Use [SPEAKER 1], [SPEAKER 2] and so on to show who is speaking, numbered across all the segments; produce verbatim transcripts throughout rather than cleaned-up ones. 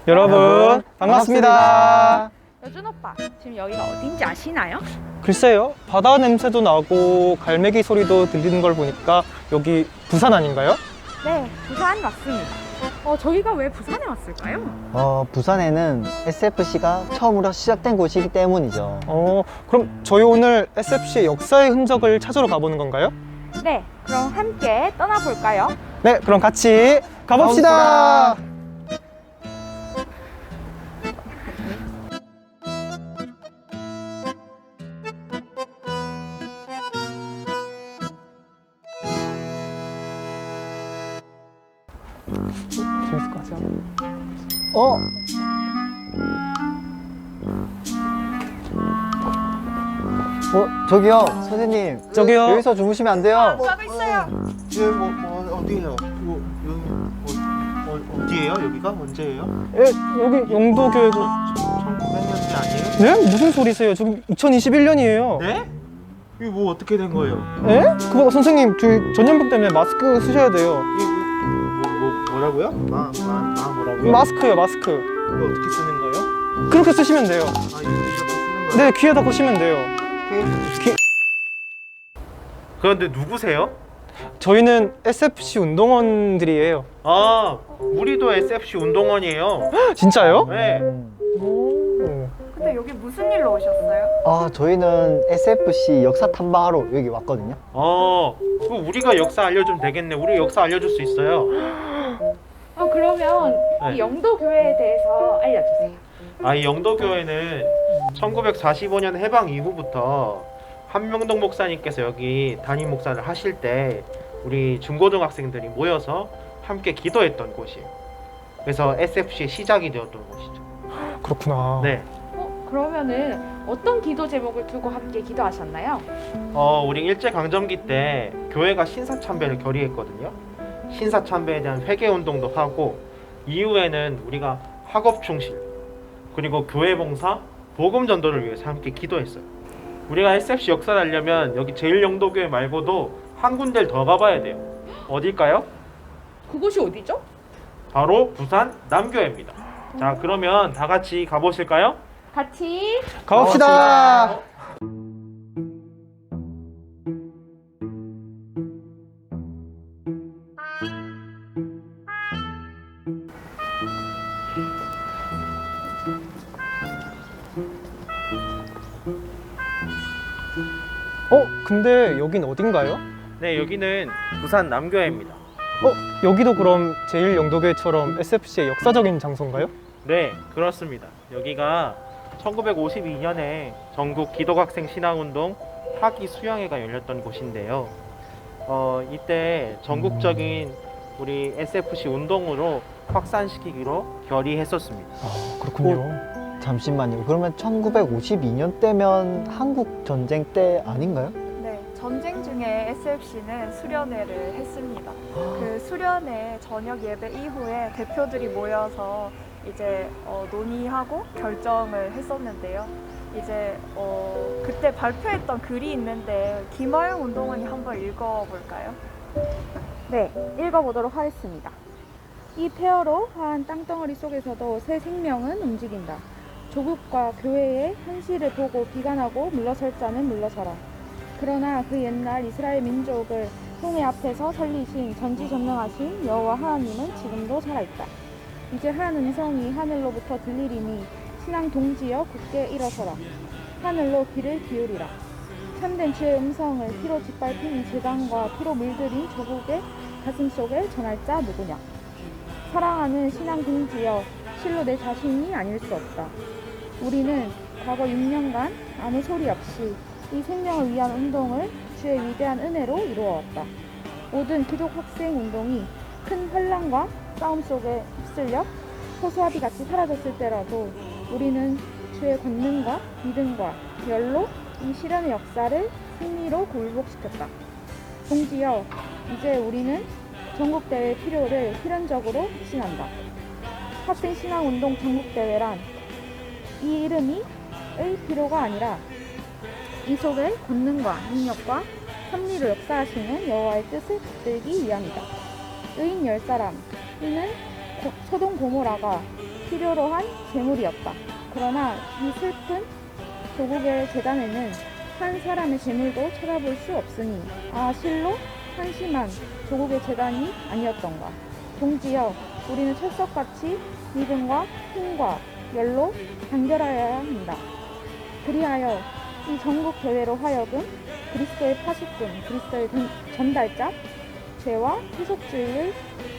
[SPEAKER 1] 여러분 반갑습니다.
[SPEAKER 2] 여준 오빠, 지금 여기가 어딘지 아시나요?
[SPEAKER 1] 글쎄요, 바다 냄새도 나고 갈매기 소리도 들리는 걸 보니까 여기 부산 아닌가요?
[SPEAKER 2] 네, 부산 맞습니다. 어, 저희가 왜 부산에 왔을까요?
[SPEAKER 3] 어, 부산에는 에스에프씨가 처음으로 시작된 곳이기 때문이죠.
[SPEAKER 1] 어, 그럼 저희 오늘 에스에프씨의 역사의 흔적을 찾으러 가보는 건가요?
[SPEAKER 2] 네, 그럼 함께 떠나볼까요?
[SPEAKER 1] 네, 그럼 같이 가봅시다. 재밌을 것 같아요.
[SPEAKER 3] 어? 어, 저기요, 선생님.
[SPEAKER 1] 저기요.
[SPEAKER 3] 여기서 주무시면 안 돼요.
[SPEAKER 2] 가고 있어요.
[SPEAKER 4] 예, 뭐, 뭐 어디예요? 뭐, 여기 어, 어, 어디예요? 여기가 언제예요?
[SPEAKER 1] 예, 여기 영도교회고.
[SPEAKER 4] 천구백 년대 아니에요?
[SPEAKER 1] 네? 무슨 소리세요? 지금 이천이십일 년이에요.
[SPEAKER 4] 네? 이게 뭐 어떻게 된 거예요?
[SPEAKER 1] 예? 그거 선생님, 저희 전염병 때문에 마스크 쓰셔야 돼요.
[SPEAKER 4] 이게 뭐, 뭐 뭐라고요? 마, 마, 마 뭐라고요?
[SPEAKER 1] 마스크요, 마스크.
[SPEAKER 4] 이거 어떻게 쓰는 거예요?
[SPEAKER 1] 그렇게 쓰시면 돼요.
[SPEAKER 4] 아, 이거 이렇게 쓰는 거예요?
[SPEAKER 1] 네, 귀에다 거시면 돼요. 귀...
[SPEAKER 4] 그런데 누구세요?
[SPEAKER 1] 저희는 에스에프씨 운동원들이에요.
[SPEAKER 4] 아, 우리도 에스에프씨 운동원이에요.
[SPEAKER 1] 진짜요?
[SPEAKER 4] 네.
[SPEAKER 1] 오.
[SPEAKER 2] 근데 여기 무슨 일로 오셨어요?
[SPEAKER 3] 아, 저희는 에스에프씨 역사 탐방하러 여기 왔거든요.
[SPEAKER 4] 어, 그 우리가 역사 알려주면 되겠네. 우리 역사 알려줄 수 있어요.
[SPEAKER 2] 어, 그러면
[SPEAKER 4] 네.
[SPEAKER 2] 이 영도교회에 대해서 알려주세요.
[SPEAKER 4] 아, 이 영도교회는 천구백사십오 년 해방 이후부터 한명동 목사님께서 여기 담임 목사를 하실 때 우리 중고등학생들이 모여서 함께 기도했던 곳이에요. 그래서 에스에프씨의 시작이 되었던 곳이죠.
[SPEAKER 1] 그렇구나.
[SPEAKER 4] 네.
[SPEAKER 2] 어, 그러면은 어떤 기도 제목을 두고 함께 기도하셨나요?
[SPEAKER 4] 어, 우리 일제강점기 때 교회가 신사참배를 결의했거든요. 신사참배에 대한 회개운동도 하고 이후에는 우리가 학업충실 그리고 교회봉사, 복음전도를 위해서 함께 기도했어요. 우리가 에스에프씨 역사를 알려면 여기 제일영도교회 말고도 한 군데를 더 가봐야 돼요. 어딜까요?
[SPEAKER 2] 그곳이 어디죠?
[SPEAKER 4] 바로 부산 남교회입니다. 자, 그러면 다 같이 가보실까요?
[SPEAKER 2] 같이
[SPEAKER 1] 가봅시다. 어, 근데 여긴 어딘가요?
[SPEAKER 4] 네, 여기는 부산 남교회입니다.
[SPEAKER 1] 어, 여기도 그럼 제일영도교회처럼 에스에프씨의 역사적인 장소인가요?
[SPEAKER 4] 네, 그렇습니다. 여기가 천구백오십이 년에 전국 기독학생 신앙운동 학위 수양회가 열렸던 곳인데요. 어, 이때 전국적인 우리 에스에프씨 운동으로 확산시키기로 결의했었습니다.
[SPEAKER 1] 아, 그렇군요.
[SPEAKER 3] 잠시만요. 그러면 천구백오십이 년 때면 한국 전쟁 때 아닌가요?
[SPEAKER 5] 네, 전쟁 중에 에스에프씨는 수련회를 했습니다. 그 수련회 저녁 예배 이후에 대표들이 모여서 이제 어, 논의하고 결정을 했었는데요. 이제 어, 그때 발표했던 글이 있는데 김하영 운동원이 한번 읽어볼까요?
[SPEAKER 2] 네, 읽어보도록 하겠습니다. 이 폐허로 화한 땅덩어리 속에서도 새 생명은 움직인다. 조국과 교회의 현실을 보고 비관하고 물러설 자는 물러서라. 그러나 그 옛날 이스라엘 민족을 홍해 앞에서 살리신 전지전능하신 여호와 하나님은 지금도 살아있다. 이제 한 음성이 하늘로부터 들리리니 신앙 동지여 굳게 일어서라. 하늘로 귀를 기울이라. 참된 주의 음성을 피로 짓밟힌 이 재단과 피로 물들인 조국의 가슴 속에 전할 자 누구냐. 사랑하는 신앙 동지여, 실로 내 자신이 아닐 수 없다. 우리는 과거 육 년간 아무 소리 없이 이 생명을 위한 운동을 주의 위대한 은혜로 이루어왔다. 모든 기독 학생 운동이 큰 혼란과 싸움 속에 휩쓸려 호수아비 같이 사라졌을 때라도 우리는 주의 권능과 믿음과 열로 이 실현의 역사를 승리로 굴복시켰다. 동지여, 이제 우리는 전국대회 필요를 필연적으로 확신한다. 학생신앙운동 전국대회란 이 이름이 의 필요가 아니라 이 속에 권능과 능력과 섭리로 역사하시는 여호와의 뜻을 붙들기 위함이다. 의인 열 사람, 이는 고, 소돔 고모라가 필요로 한 재물이었다. 그러나 이 슬픈 조국의 재단에는 한 사람의 재물도 찾아볼 수 없으니 아 실로 한심한 조국의 재단이 아니었던가. 동지여, 우리는 철석같이 믿음과 힘과 열로 단결하여야 한다. 그리하여 이 전국 교회로 하여금 그리스도의 파수꾼, 그리스도의 전- 전달자, 죄와 세속주의의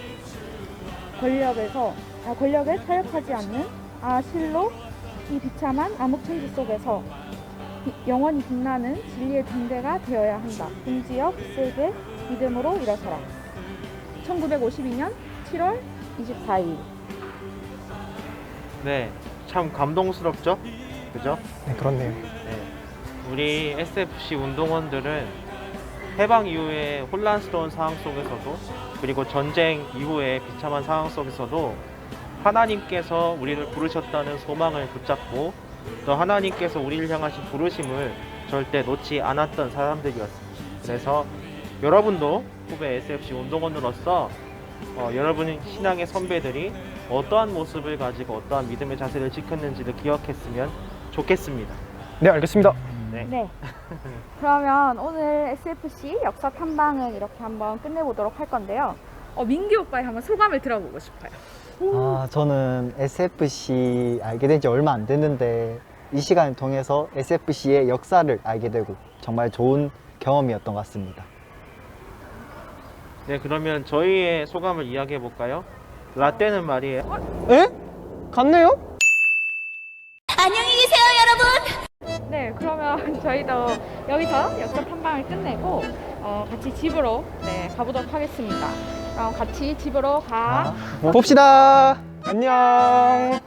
[SPEAKER 2] 권력에서 아, 권력에 타협하지 않는 아 실로 이 비참한 암흑천지 속에서 비- 영원히 빛나는 진리의 등대가 되어야 한다. 동지여, 굳세게 믿음으로 일어서라. 천구백오십이 년 칠월 이십사일.
[SPEAKER 4] 네, 참 감동스럽죠? 그죠?
[SPEAKER 1] 네, 그렇네요.
[SPEAKER 4] 네. 우리 에스에프씨 운동원들은 해방 이후의 혼란스러운 상황 속에서도 그리고 전쟁 이후의 비참한 상황 속에서도 하나님께서 우리를 부르셨다는 소망을 붙잡고 또 하나님께서 우리를 향하신 부르심을 절대 놓지 않았던 사람들이었습니다. 그래서 여러분도 후배 에스에프씨 운동원으로서 어, 여러분의 신앙의 선배들이 어떠한 모습을 가지고 어떠한 믿음의 자세를 지켰는지를 기억했으면 좋겠습니다.
[SPEAKER 1] 네, 알겠습니다.
[SPEAKER 4] 네.
[SPEAKER 2] 네. 그러면 오늘 에스에프씨 역사 탐방은 이렇게 한번 끝내보도록 할 건데요. 어, 민기 오빠의 한번 소감을 들어보고 싶어요.
[SPEAKER 3] 아, 저는 에스에프씨 알게 된 지 얼마 안 됐는데 이 시간을 통해서 에스에프씨의 역사를 알게 되고 정말 좋은 경험이었던 것 같습니다.
[SPEAKER 4] 네, 그러면 저희의 소감을 이야기해 볼까요? 라떼는 말이에요.
[SPEAKER 1] 에? 갔네요?
[SPEAKER 2] 네, 그러면 저희도 여기서 역사 탐방을 끝내고 어, 같이 집으로 네, 가보도록 하겠습니다. 그럼 같이 집으로 가.
[SPEAKER 3] 아,
[SPEAKER 1] 봅시다. 안녕.